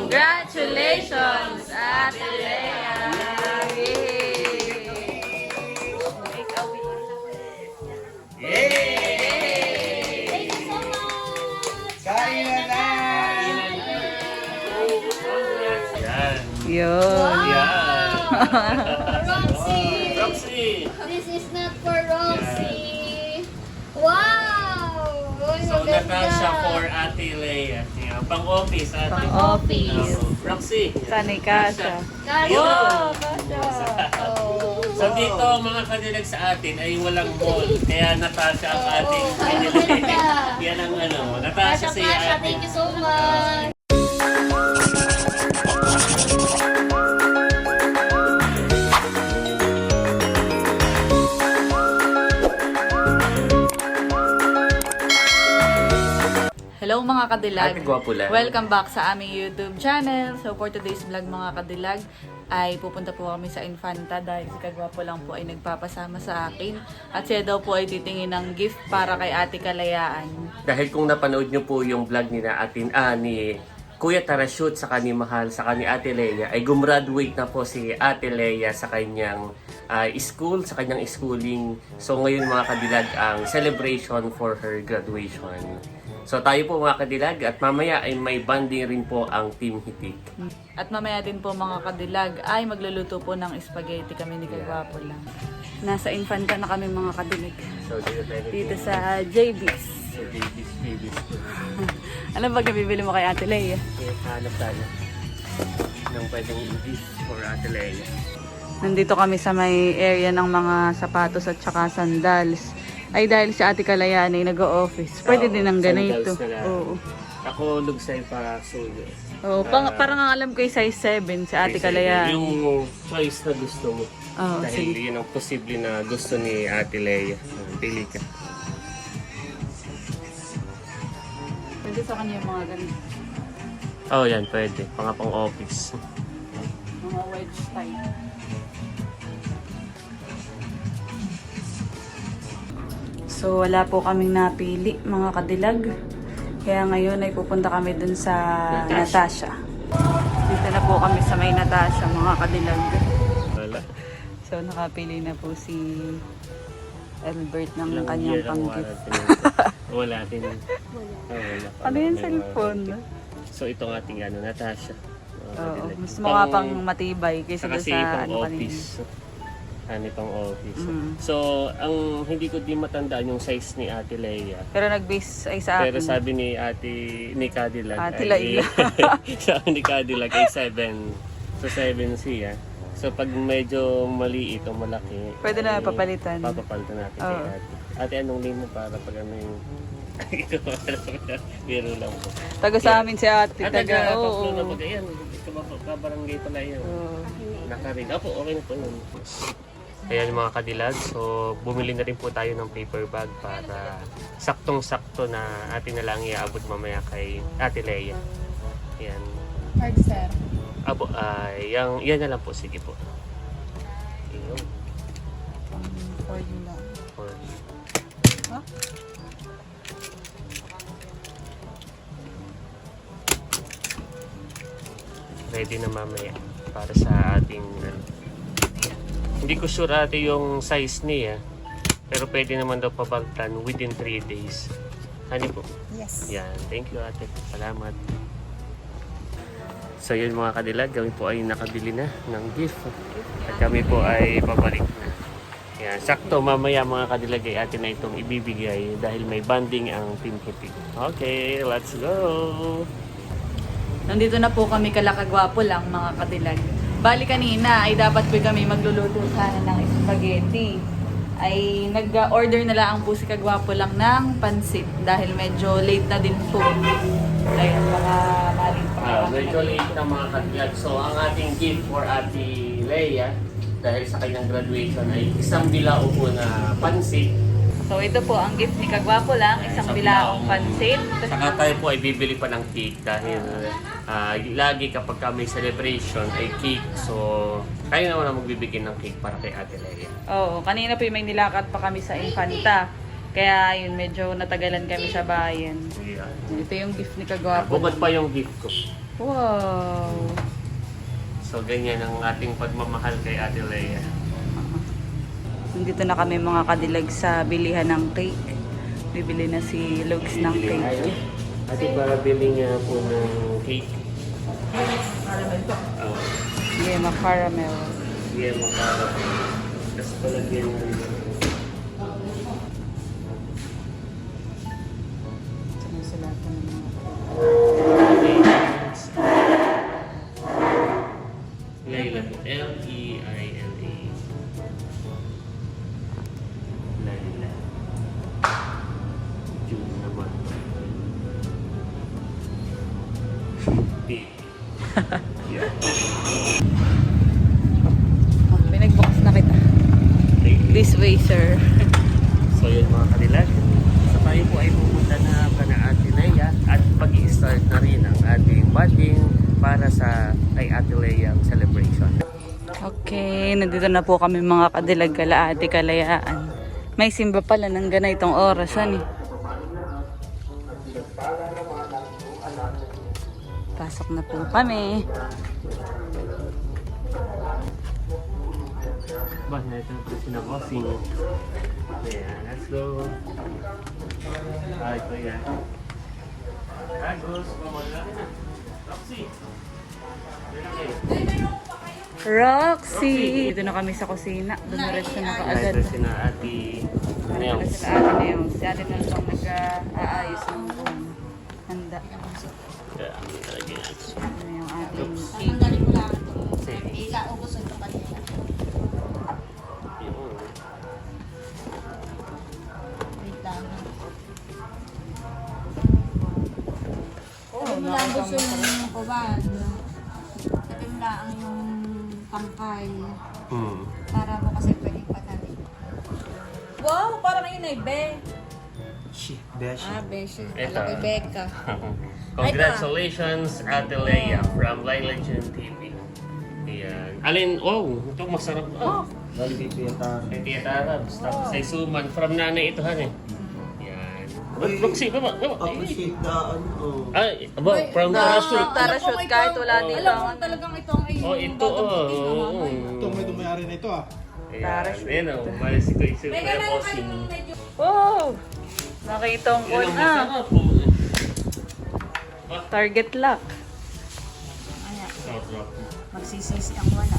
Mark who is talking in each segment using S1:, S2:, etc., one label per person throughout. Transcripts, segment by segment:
S1: Congratulations, Ate Lea!
S2: Yay!
S3: Thank you so much!
S2: Kain na na!
S4: Yan.
S1: Yun.
S4: Yan.
S3: Roxy!
S4: Roxy!
S3: This is not for Roxy! Wow! Uy,
S4: So,
S3: maganda.
S4: Natasha for Ate Lea. Yan. Pang-office, Ate.
S1: Pang-office.
S4: Roxy.
S1: Sanay ka siya.
S3: Kasha!
S4: Yun.
S1: Kasha.
S3: Oh.
S4: So dito mga kanilag sa atin ay walang mall. Kaya Natasha ang ating
S3: Oh,
S4: pinili.
S3: maganda.
S4: Yan ang ano.
S3: Kasha,
S4: Natasha si
S3: Kasha,
S4: ate.
S3: thank you so much!
S1: Hello mga kadilag.
S4: Ate Gwapo lang.
S1: Welcome back sa aming YouTube channel. So for today's vlog mga kadilag ay pupunta po kami sa Infanta dahil si Kagwapo lang po ay nagpapasama sa akin at siya daw po ay titingin ng gift para kay Ate Kalayaan.
S4: Dahil kung napanood nyo po yung vlog ni Kuya Tarashoot sa ni Mahal sa ni Ate Lea ay gumraduate na po si Ate Lea sa kanyang school, sa kanyang schooling. So ngayon mga kadilag ang celebration for her graduation. So tayo po mga kadilag at mamaya ay may banding rin po ang Team Hitik.
S1: At mamaya din po mga kadilag ay magluluto po ng spaghetti kami ni Kagwapo lang. Nasa Infanta na kami mga kadilag.
S4: So
S1: Dito sa JB's.
S4: So babies.
S1: Ano ba bibili mo kay Ate Lea?
S4: Hanap tayo ng pwedeng gift for Ate Lea.
S1: Nandito kami sa may area ng mga sapatos at saka sandals. Ay dahil si Ate Kalayaan ay nag-o-office. Pwede
S4: Oo,
S1: din ng ganito.
S4: sandals na lang.
S1: Oo.
S4: Ako lugsay para suyo.
S1: Oo, parang ang alam ko yung size 7 si Ate Kalayaan.
S4: Yung choice na gusto mo.
S1: Oo,
S4: Dahil
S1: sige.
S4: yun ang posible na gusto ni Ate Lea. Pili ka.
S1: Pwede sa kanya yung mga ganito.
S4: Oh, yan. Pwede. Pang office.
S1: Mga wedge type. So wala po kaming napili mga kadilag. Kaya ngayon ay pupunta kami dun sa Natasha. Dito na po kami sa may Natasha mga kadilag.
S4: Wala.
S1: So nakapili na po si Albert ng
S4: Ilang
S1: kanyang
S4: year ang
S1: pang-gift.
S4: wala din. Wala.
S1: Ano yung cellphone?
S4: So itong ating Natasha.
S1: Oo, mas mukha pang matibay kaysa doon
S4: Kasi
S1: sa
S4: pang
S1: ano kanina.
S4: office. Pang office.
S1: Mm.
S4: So, ang hindi ko din matandaan yung size ni Ate Lea.
S1: Pero nag-base ay sa
S4: Pero
S1: akin.
S4: sabi ni Cadillac
S1: Ate
S4: ay,
S1: Laila.
S4: sabi ni Cadillac ay 7. So 7 siya. So pag medyo maliit o malaki,
S1: Pwede na
S4: ay
S1: papalitan.
S4: Papapalitan natin kay
S1: Oo.
S4: Ate. Ate, anong name mo para pag ano yung biro lang po.
S1: Taga sa amin si ate.
S4: At
S1: Taga,
S4: taga
S1: oo.
S4: Paplo na pag ayan, kabarangay pala yan.
S1: Oo.
S4: Nakarin. Opo, okay na po yun. Ayan mga kadilag, so bumili na rin po tayo ng paper bag para saktong-sakto na atin na lang iaabot mamaya kay Ate Lea. Ayan.
S3: Hard sir.
S4: Abo, yan na lang po, sige po. Ayun.
S1: For you lang.
S4: For
S1: Ha?
S4: ready na mamaya para sa ating hindi ko sure ate yung size niya pero pwede naman daw pabaltan within 3 days. Ano po?
S3: Yes.
S4: Yan, thank you ate. Salamat. So yun mga kadilag, kami po ay nakabili na ng gift. At kami po ay pabalik na. Yan, sakto mamaya mga kadilag ay atin na itong ibibigay dahil may banding ang Team Hitik. Okay, let's go!
S1: Nandito na po kami kalakagwapo lang mga kadilag. Bali kanina ay dapat po kami magluluto sana ng spaghetti. Ay nag-order na lang po si Kagwapo lang ng pansit dahil medyo late na din po. Ayun, baka maling pa.
S4: Medyo late na mga kadilag. So ang ating gift for Ate Lea dahil sa kanyang graduation ay isang bilao po na pansit.
S1: So ito po ang gift ni Kagwapo lang, isang bilaong pansit.
S4: Saka tayo po ay bibili pa ng cake dahil lagi kapag may celebration ay cake. So tayo naman ang magbibigay ng cake para kay Ate Lea.
S1: Oo, kanina po may nilakad pa kami sa Infanta. Kaya yun, medyo natagalan kami sa bayan.
S4: Yan.
S1: Ito yung gift ni Kagwapo.
S4: Bukod pa yung gift ko.
S1: Wow!
S4: So, ganyan ang ating pagmamahal kay Ate Lea.
S1: Nandito na kami mga kadilag sa bilihan ng cake. Bibili na si Lugs ng cake.
S4: Ate, para bilhin niya po ng cake. Oh,
S1: Yema caramel.
S4: yeah, makakarap. Tapos palagyan na rin.
S1: Sinusulatan ng mga
S4: Laila po. L-E-I-L-A. Laila. June naman. P. Yeah.
S1: Oh, pinagbox na kita.
S4: Thank you.
S1: This way, sir.
S4: So yun mga kadilag. So tayo po ay pupunta na ka na Ate Lea at mag-i-start na rin ang ating bonding para sa kay Ate Lea celebration.
S1: Okay, nandito na po kami mga kadilag kala Ate Kalayaan. May simba pala ng ganitong orasan eh. Pasok na po kami.
S4: Ba, ito po sinabosing. Ayan, let's go. Ay, ito yan. Agos, mamala. Roxy.
S1: Roxy! Dito na kami sa kusina. Dumiretso na kaagad.
S4: Ito sina Ate
S1: Dito
S4: Nels.
S1: sila Ate Neo. Si Ate Neo ang nag-aayos ng handa.
S4: Yeah, talaga yan.
S1: Ano yung ating cake.
S3: Tanggalin ko lang ito.
S4: Sige.
S3: Ila, ubos ito kanila.
S4: Yun.
S3: Wait lang.
S1: Oh,
S3: Sabi mo lang gusto yung kuwan. Sabi mo lang yung tangkay. Para mo kasi pwedeng patalim.
S1: Wow, parang yun ay be.
S3: Ah, Beshi.
S4: Ito.
S3: Alam ko, Becca.
S4: Congratulations, Ate Lea from Laila June TV. Ayan. Alin, oh, ito masarap. Oh.
S2: Bali kay Kuya Tara.
S4: Kay Tia Tarabs. Tapos ay suman from nanay ito han eh. Ayan. Roxy, baba.
S2: Appreciate na ano.
S4: Ay, aba, from Parachute.
S1: Parachute kahit wala dito.
S3: Alam mo talagang ito ang
S4: Oh, ito oh.
S2: Ito may dumayari na ito ah.
S4: Ayan, ayan oh. Mali si Kuya Bossing.
S1: Wow! Nakitong ko
S4: Yan ang
S1: na.
S4: masarap po.
S1: Target lock.
S4: Sarap.
S3: Magsisisi ang wala.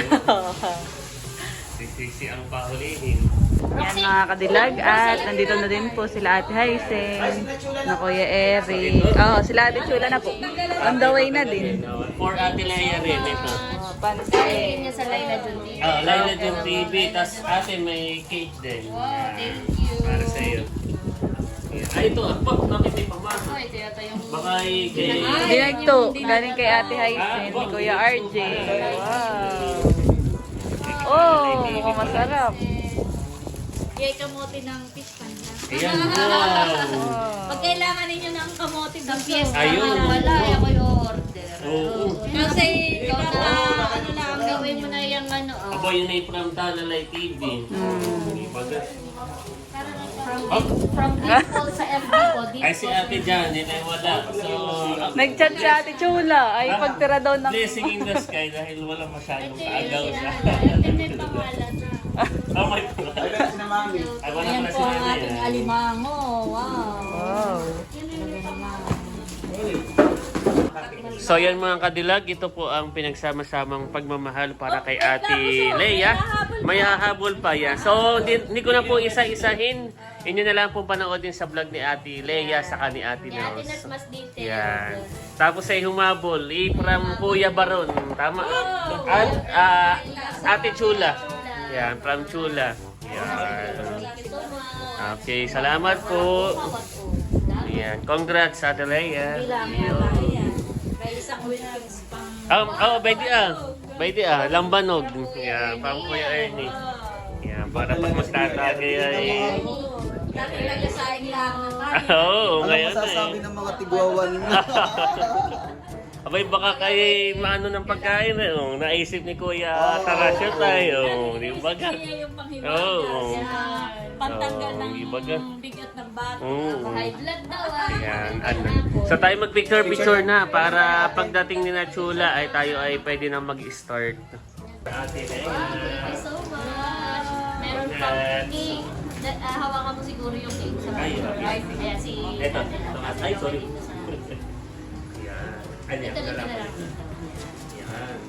S4: Sisisi ang pahulihin.
S1: Yan mga kadilag at nandito na din po sila Ate Haisen, na Kuya Eric. Oh, sila Ate Chula na po. On the way na din.
S4: For Ate Lea rin ito.
S1: Pansin.
S3: Niya sa Laila Jun TV.
S4: Laila June TV, tas ate may cake din.
S3: Wow, thank you.
S4: Para sa iyo. Ay, ito. Bakit bakit may pamasa?
S3: Ito yata yung...
S4: Baka kay...
S1: Direct to. Galing kay Ate Haisen, ni Kuya RJ. Wow. Oh, mukhang masarap.
S3: Yay, kamote ng fish panda.
S4: Ayan, wow.
S3: Pag kailangan ninyo ng kamote ng fiesta,
S4: Ayun.
S3: wala, ako yung order.
S4: Oo.
S3: Kasi ikaw na, ano lang, gawin mo na yung ano,
S4: Aba, yun ay from Talalay TV.
S3: from people sa FB ko, dito
S4: Ay, si Ate Janet ay wala. So,
S1: Nag-chat si Ate Chula. Ay, pagtira daw ng...
S4: blessing in the sky dahil wala masyadong kaagaw sa...
S3: Ito may pangalan na.
S4: Oh my God. Ay, wala
S3: Ayan
S4: pala
S3: po
S4: si
S3: ang
S4: Nani,
S3: ating
S4: ah.
S3: alimango. Wow.
S1: Wow.
S4: So yan mga kadilag, ito po ang pinagsama-samang pagmamahal para kay Ate Lea. May hahabol pa yan. So hindi ko na po isa-isahin. Inyo na lang po panoodin sa vlog ni Ate Lea saka ni Ate
S3: Ate Nas
S4: Nels.
S3: mas detailed.
S4: Yan. Tapos ay humabol. From Kuya Baron. Tama. At Ate Chula. Yan. From Chula. Yan. Okay. Salamat po. Yan. Congrats Ate Lea. Yun.
S3: May isang wins pang...
S4: Pwede lambanog. Yan. Pang Kuya Ernie. Yan. Para pag magtatagay ay...
S3: Dati naglasaing lang ng
S4: Oo,
S2: Ano
S4: ngayon
S2: masasabi
S4: eh.
S2: ng mga tigwawan na?
S4: Abay, baka kayo maano ng pagkain eh. Oh, naisip ni Kuya Tarasyo tayo. Di ba ka?
S3: Kaya yung panghiwaga.
S4: Oo.
S3: Pantanggal
S4: Oo,
S3: ng
S4: iba ka.
S3: bigat ng bata.
S4: Oo.
S3: High blood daw ah.
S4: Ayan, ano. So tayo mag-picture-picture na para pagdating ni Nachula ay tayo ay pwede na mag-start. Ate
S5: Thank you so much. Meron pang cake. Hawakan mo siguro yung cake sa
S4: Ay, okay.
S5: Ayan, si...
S4: Eto. Ay, sorry. Ayan. Ano yan?
S5: Ito na
S4: Lalaki.
S5: lang.
S4: Ayan.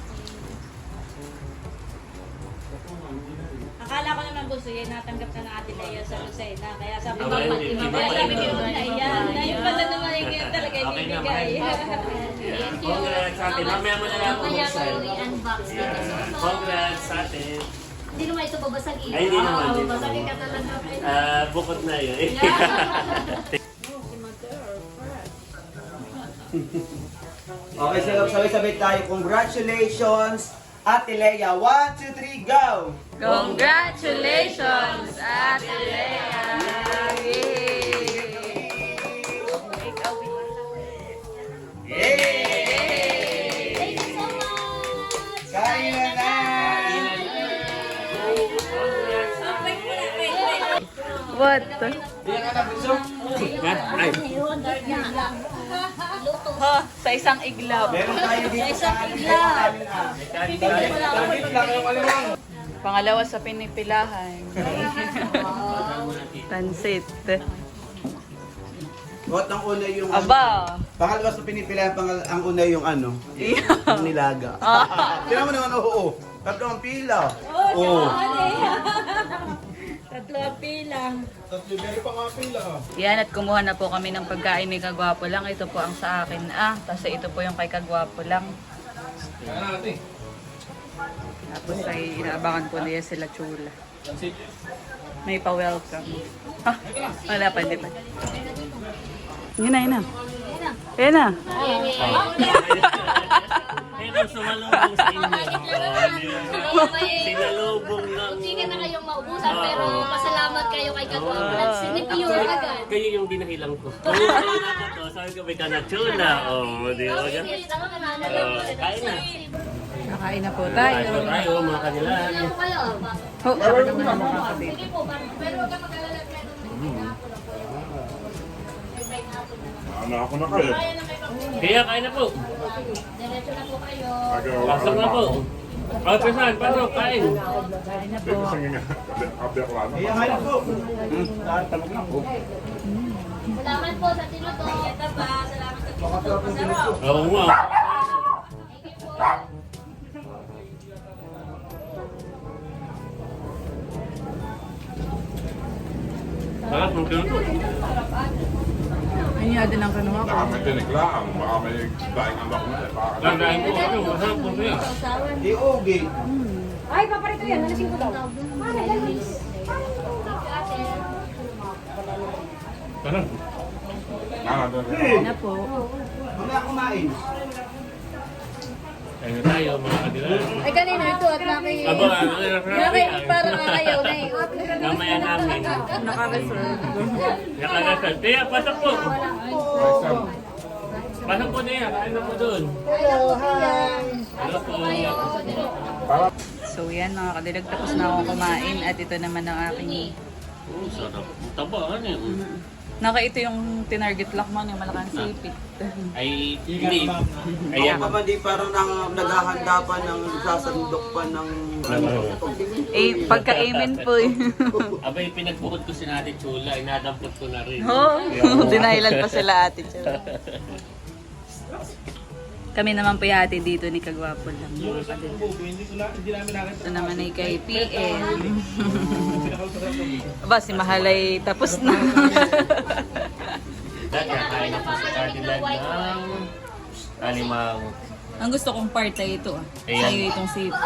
S3: Akala ko naman gusto yan, natanggap na ng Ate Lea sa Lucena. Kaya sabi ko,
S4: Okay,
S3: kaya sabi ko, ayan, dahil pala naman yung talaga
S4: Okay naman.
S3: ibibigay.
S5: Thank you.
S4: Congrats sa atin. Mamaya mo na lang
S5: Mamaya ko
S4: bubuksan.
S5: i-unbox dito.
S4: Ayan. Congrats sa atin.
S5: Hindi naman ito babasagin.
S4: Ay, hindi naman, hindi
S5: Babasagin
S4: naman.
S5: ka talaga.
S4: Bukod na yun.
S2: Okay, so sabay-sabay tayo. Congratulations, Ate Lea. 1, 2, 3, go!
S1: Congratulations, Ate Lea!
S2: Yay!
S5: Thank you so much.
S2: Kain na na!
S1: What?
S2: Iyan ka na, Bunso?
S4: Ay,
S1: Ha, sa isang iglap.
S2: Meron tayo dito sa
S1: Pangalawa sa pinipilahan. Pansit.
S2: What ang una yung...
S1: Aba.
S2: Pangalawa sa pinipilahan, ang una yung ano? Yung nilaga. Tingnan mo naman, oo. Tatlo ang pila. Oo.
S3: Tatlo ang pilang.
S1: Yan, at kumuha na po kami ng pagkain ni Kagwapo lang. Ito po ang sa akin. Tapos ito po yung kay Kagwapo lang. Tapos ay inaabangan po niya sila Chula. May pa-welcome. Ha? Wala pa, hindi pa. Yun na, yun na. Yun na.
S4: ito sumalubong sa inyo. Sinalubong ng...
S5: Hindi ka na kayong maubusan, pero pasalamat kayo kay Kagwapo. At sinipure agad.
S4: Kayo yung dinahilang ko. Sabi ko, may kanachula. Di ba? Kain na.
S1: Nakain na po tayo.
S4: Kain na tayo, mga kanila.
S5: Ano kayo?
S1: Oh, saka naman ang mga kapatid.
S5: Sige po, pero huwag ka mag-alala.
S4: Kaya kain na po.
S5: Diretso na po kayo.
S4: Pasok na po. Pesan, pasok, kain.
S1: Kain na po.
S2: Kaya nga na po.
S5: Salamat po sa tinuto. Salamat sa tinuto. Masarap.
S4: Oo nga.
S5: Thank you po.
S4: Sarap ng tinuto.
S1: Ano yung din ang kanuha ko?
S6: Baka may tinik lang, baka may daing anak mo eh. Baka
S4: Lagayin po kayo. Masarap po siya.
S2: Di ogi.
S3: Ay, paparito yan. Nalasing ko daw.
S4: Sarap.
S1: Kain na po.
S2: Mamaya kumain.
S4: Kain na tayo, mga kanila.
S3: Ay, kanina ito at naki...
S4: Aba,
S3: Parang nakayaw na eh.
S4: Namaya namin.
S1: Naka-reserve.
S4: Nakarasal. Kaya, pasok po. Pasok po niya. Kain na po doon. Hello po.
S1: So yan mga kadilag, tapos na akong kumain at ito naman ang aking...
S4: Sarap. Taba, ano yun?
S1: Naka ito yung tinarget lock mo, yung malakang sipit.
S4: Ay, hindi.
S2: Ayan.
S4: Ayan.
S2: Pa ba di parang naghahanda pa ng sasandok pa ng...
S1: Eh, pagka-amen po eh.
S4: Abay, pinagbukod ko si Ate Chula. Inadampot ko na rin.
S1: Oh, dinahilan pa sila ate. Kami naman po yati dito ni Kagwapo lang. Ito naman ay kay PN. Aba, si Mahalay tapos na.
S4: Dati, kain na po sa Cadillac ng alimang.
S1: Ang gusto kong part ay ito ah.
S4: Ayan.
S1: Sa'yo itong sipit.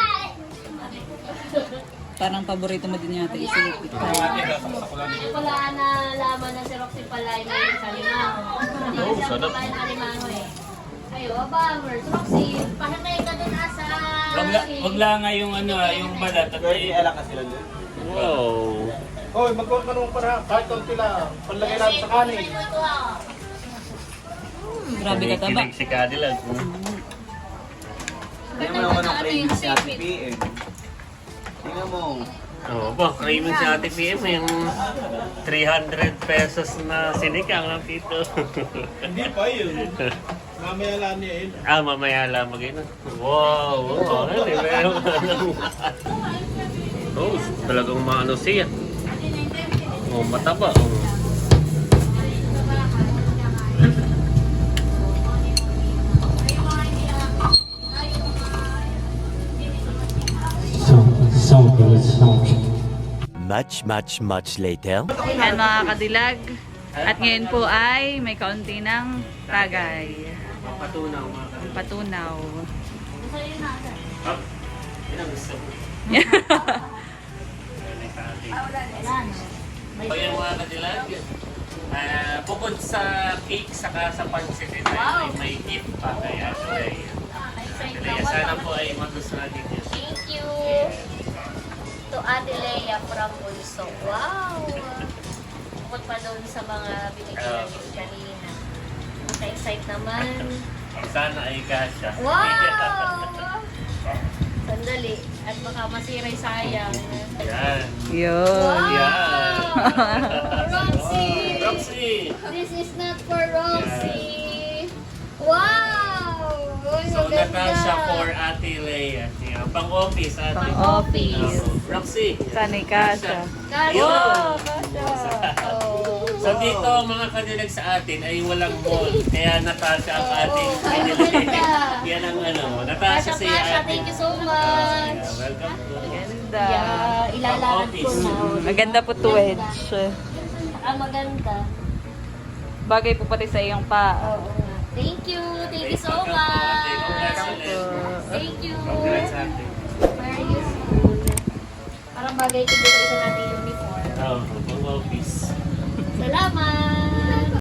S1: Parang paborito mo din yata isipit.
S5: Wala na laman na si Roxy Palay may sa limang. Hindi
S4: Oh,
S5: siya
S4: sarap.
S5: kumain ng limang eh. Ayo, abangers. Roxy, pahanay ka dun asa.
S4: Wag lang nga yung ano, yung balat. At
S2: Pwede alak ka sila doon.
S4: wow.
S7: Hoy, magkuha ka nung para kahit konti lang. Panlagay natin sa kanin.
S1: Grabe ka taba.
S4: Kinikilig si Cadillac.
S2: Tingnan mo naman ang craving si Ate PM. Tingnan mo.
S4: Oo ba, craving si Ate PM yung 300 pesos na sinigang ng tito.
S7: Hindi pa yun. Mamaya lang niya yun.
S4: Mamaya lang mag-ina. Wow, meron ka lang. Oh, talagang maano siya. Oh, mataba. Oh.
S8: Much later.
S1: Yan mga kadilag. At ngayon po ay may kaunti ng tagay.
S4: Patunaw mga kapatid.
S1: Patunaw.
S4: Up. Yan ang gusto ko. So yung mga kadilag, bukod sa cake saka sa pancit, ay may gift pa kay Ate Leia. Ate Leia, sana po ay magustuhan din yun.
S5: Thank you to Ate Leia from Bulso. Wow! Bukod pa doon sa mga binigyan namin kanina. Excited naman.
S4: Sana ay kasha.
S5: Wow! Sandali. At baka masira yung sayang.
S4: Yan.
S1: Yun.
S4: Yan.
S5: Roxy!
S4: Roxy!
S5: This is not for Roxy. Wow! Uy,
S4: So,
S5: maganda.
S4: Natasha for Ate Leia. Yan, pang-office ate.
S5: Pang-office.
S4: Roxy.
S1: Sanay kasha.
S5: Kasha.
S4: Wow!
S5: Oh.
S4: So dito mga kanilag sa atin ay walang mall. Kaya Natasha ang ating
S5: Oh,
S4: kanilag.
S5: maganda.
S4: Yan ang ano. Natasha
S5: Kasha,
S4: si
S5: Kasha,
S4: ate.
S5: thank you so much.
S4: Welcome po.
S1: Ganda.
S5: Yeah, ilalakad ko na.
S1: Maganda po to wedge.
S5: Maganda.
S1: Bagay po pati sa iyong pa.
S5: Oo nga. Thank you so
S4: Welcome po, ate.
S5: much.
S4: Congratulations.
S5: Thank you.
S4: Congrats ate.
S5: Very useful. Parang bagay ito dito sa nating uniform.
S4: Oh, pang-office.
S5: Salamat.